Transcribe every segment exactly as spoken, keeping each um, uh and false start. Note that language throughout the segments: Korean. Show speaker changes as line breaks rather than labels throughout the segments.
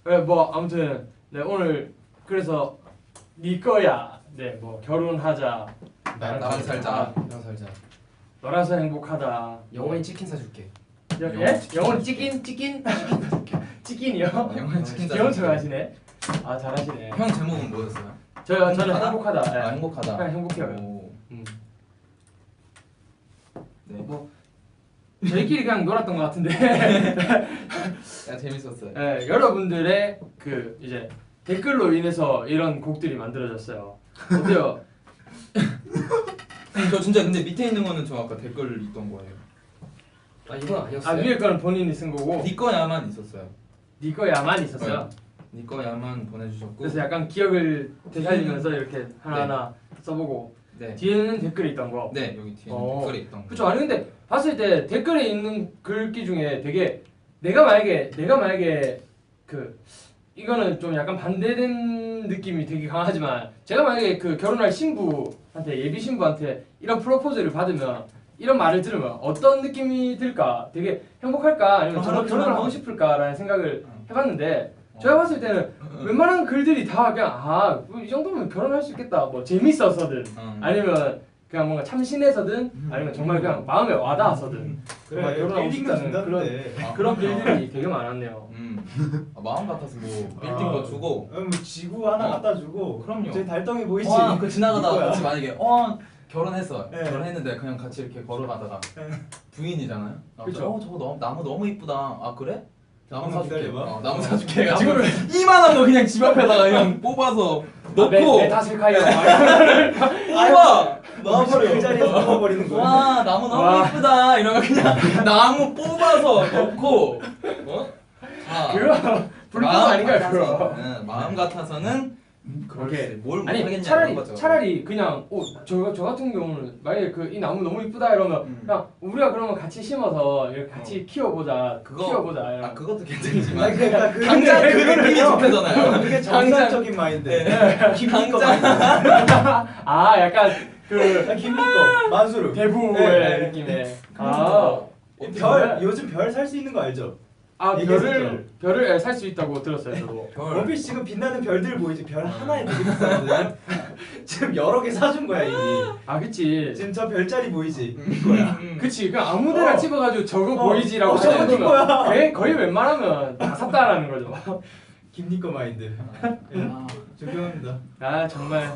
네, 뭐 아무튼 네 오늘 그래서 네 거야. 네, 뭐 결혼하자.
나, 나랑 살자.
나랑 살자.
너라서 행복하다.
영원히 치킨 사줄게.
여, 예? 영원 치킨 치킨 치킨이요?
영원히 치킨
귀여운 척 하시네. 아 잘하시네.
형 제목은 뭐였어요?
저요 저는 행복하다. 네.
아 행복하다.
그냥 행복해요.
오.
음.
네.
뭐 저희끼리 그냥 놀았던 것 같은데.
야 재밌었어요.
네, 여러분들의 그 이제 댓글로 인해서 이런 곡들이 만들어졌어요. 어때요?
저 진짜 근데 밑에 있는 거는 저 아까 댓글 있던 거예요.
아 이건 아니었어요.
아 위에 거는 본인이 쓴 거고
니 거야만 있었어요.
네 거야만 있었어요.
니 거야만 보내주셨고.
그래서 약간 기억을 되살리면서 이렇게 하나하나 써보고
네.
뒤에는 댓글이 있던 거.
네 여기 뒤에
어.
댓글이 있던 거.
그쵸. 아니 근데 봤을 때 댓글에 있는 글귀 중에 되게 내가 만약에 내가 만약에 그 이거는 좀 약간 반대된 느낌이 되게 강하지만 제가 만약에 그 결혼할 신부한테 예비 신부한테 이런 프로포즈를 받으면 이런 말을 들으면 어떤 느낌이 들까? 되게 행복할까? 아니면 정말 결혼을 하고 싶을까라는 생각을 해봤는데 제가 봤을 때는 웬만한 글들이 다 그냥 아 이 정도면 결혼할 수 있겠다 뭐 재밌어서든
음.
아니면 그냥 뭔가 참신해서든 아니면 정말 그냥 마음에 와닿아서든 정말 결혼하고 싶다는 그런
아,
그런 글들이 되게 많았네요.
음. 아, 마음 같아서 뭐 빌딩도
아.
주고.
음, 지구 하나
어.
갖다 주고.
그럼요.
제 달덩이 보이지?
와, 그 지나가다가
이거야.
같이 만약에 어 결혼했어.
네.
결혼했는데 그냥 같이 이렇게 걸어가다가
네.
부인이잖아요.
그쵸.
어 저거 너무 나무 너무 이쁘다. 아 그래? 나무
잠깐만
사줄게.
기다려봐.
어, 나무 사줄게. 해가지고
나무를
이만한 거 그냥 집 앞에다가 그냥 뽑아서 넣고.
메타실카이어
우와.
넣어버려. 그 자리에서 넣어버리는 거야.
와 나무 너무
와.
이쁘다. 이러면 그냥 나무 뽑아서 넣고. 어? 자,
그거 불법
마음
아닌가요
같아서,
그거?
응, 마음 같아서는
그렇게
뭘
아니
못하겠냐
차라리
이런 거죠.
차라리 그냥 어저 저 같은 경우는 만약에 그 이 나무 너무 이쁘다 이러면
음.
그냥 우리가 그러면 같이 심어서 이렇게 같이
어.
키워보자
그거-
키워보자
아
이런.
그것도
아니,
괜찮지만
그러니까 그
당장 그
그거는요.
느낌이 좋대잖아요.
그게 정상적인 마인드. 김미 거
당장-
마인드.
아 약간 그
아, 김미 거 만수르.
대부의
네, 네.
느낌의
아,
아,
별 요즘 별 살 수 있는 거 알죠?
아
얘기했었죠.
별을 별을 살 수 있다고 들었어요 저도.
별.
원피스 지금 빛나는 별들 보이지? 별 하나에 되게 비싸거든. 지금 여러 개 사준 거야 이미.
아 그치.
지금 저 별자리 보이지? 이거야.
음.
그치 그냥 아무데나
어.
찍어가지고 저거
어.
보이지라고
어, 저거 네 거야.
거의, 거의 웬만하면 다 샀다라는 거죠.
김니 거 마인드. 예,
아,
존경합니다.
아 정말.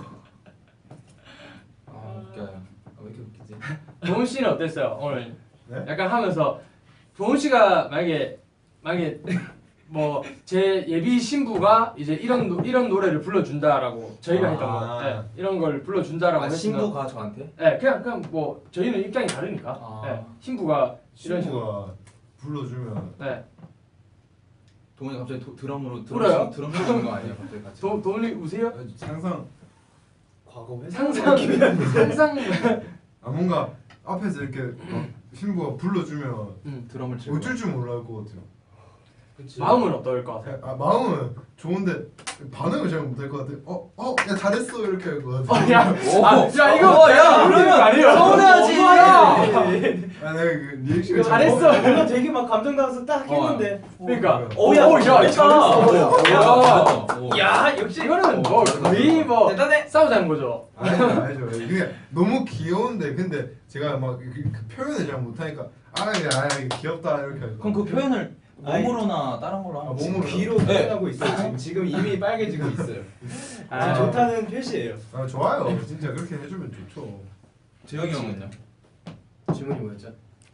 아 웃겨요. 아, 왜 이렇게 웃기지?
도훈 씨는 어땠어요 오늘?
네?
약간 하면서 도훈 씨가 만약에 만약에 뭐 제 예비 신부가 이제 이런 노, 이런 노래를 불러준다라고 저희가
아.
했던 거, 네, 이런 걸 불러준다라고
아
했으면,
신부가 저한테?
네, 그냥 그냥 뭐 저희는 입장이 다르니까,
아.
네, 신부가 이런 식으로,
친구가 불러주면
네,
동훈이 갑자기 도, 드럼으로
울어요?
드럼 치는 거 아니에요? 갑자기 같이.
도 도훈이 우세요?
상상 과거 회사
상상 상상,
아 뭔가 앞에서 이렇게 막 신부가 불러주면
음,
드럼을 치고.
어쩔 줄 몰라할 것 같아요.
마음은 어떨 것 같아요?
아 마음은 좋은데 반응을 잘 못할 것 같아요. 어, 어, 야 잘했어 이렇게 할 것
어,
같아요.
야,
오.
아, 야 이거
어, 야,
그러는 거 아니에요?
서운해하지.
야,
아 내가 그 리액션을
잘했어.
이거 되게 막 감정당해서 딱 했는데
그러니까,
어,
야, 야,
잘했다.
잘했어.
야.
야, 역시 이거는 뭐 거의 뭐
대단해.
싸우자는 거죠.
알죠 알죠. 그게 너무 귀여운데 근데 제가 막그 그 표현을 잘 못하니까 아야 아 귀엽다 이렇게 할
그럼 그 표현을 몸으로나 다른 걸로
아,
하면
몸으로.
귀로 표현하고 있어요. 지금 지금 이미 빨개지고 있어요.
아,
지금 좋다는 표시예요.
아 좋아요. 진짜 그렇게 해주면 좋죠.
재영이 형은요?
질문이 뭐였죠?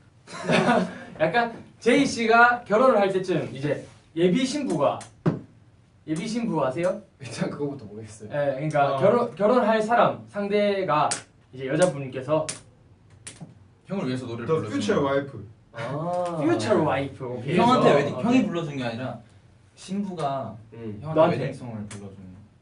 약간 제이 씨가 결혼을 할 때쯤 이제 예비 신부가 예비 신부 아세요?
일단 그거부터 모르겠어요.
예, 그러니까
어.
결혼 결혼할 사람 상대가 이제 여자분께서
형을 위해서 노래를
The
불러주는
future
거.
wife.
아, 퓨처 와이프. 오케이.
형한테
그래서,
웨딩
어,
형이 불러준 게 아니라 신부가
음.
형한테
너한테.
웨딩송을 불러주는.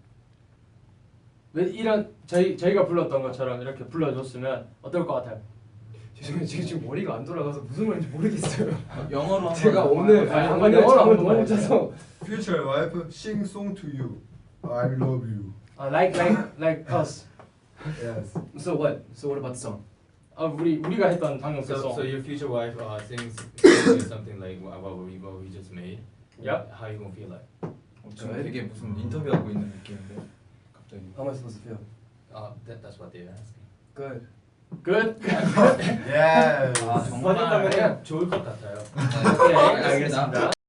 왜 이런 저희 저희가 불렀던 것처럼 이렇게 불러줬으면 어떨 것 같아요?
죄송해요. 제가 지금 머리가 안 돌아가서 무슨 말인지 모르겠어요.
영어로 한번.
제가 오늘
아니,
아,
한번
오늘
영어로
잠을
한번
너무 못
해주세요.
자서
Future wife sing song to you. I love you.
아, like like like us.
Yes.
So what? So what about the song?
아, 우리 우리가 했던 방금 그
So,
송.
so your future wife uh, sings, sings something like what what we, what we just made.
Yep.
How you gonna feel like?
지금 되게 무슨 인터뷰하고 있는 느낌인데 갑자기.
How am I supposed to feel?
아, that, that's what they're asking.
Good.
끝.
예.
아, 정말
번역하면 좋을 것 같아요.
오케이, 알겠습니다.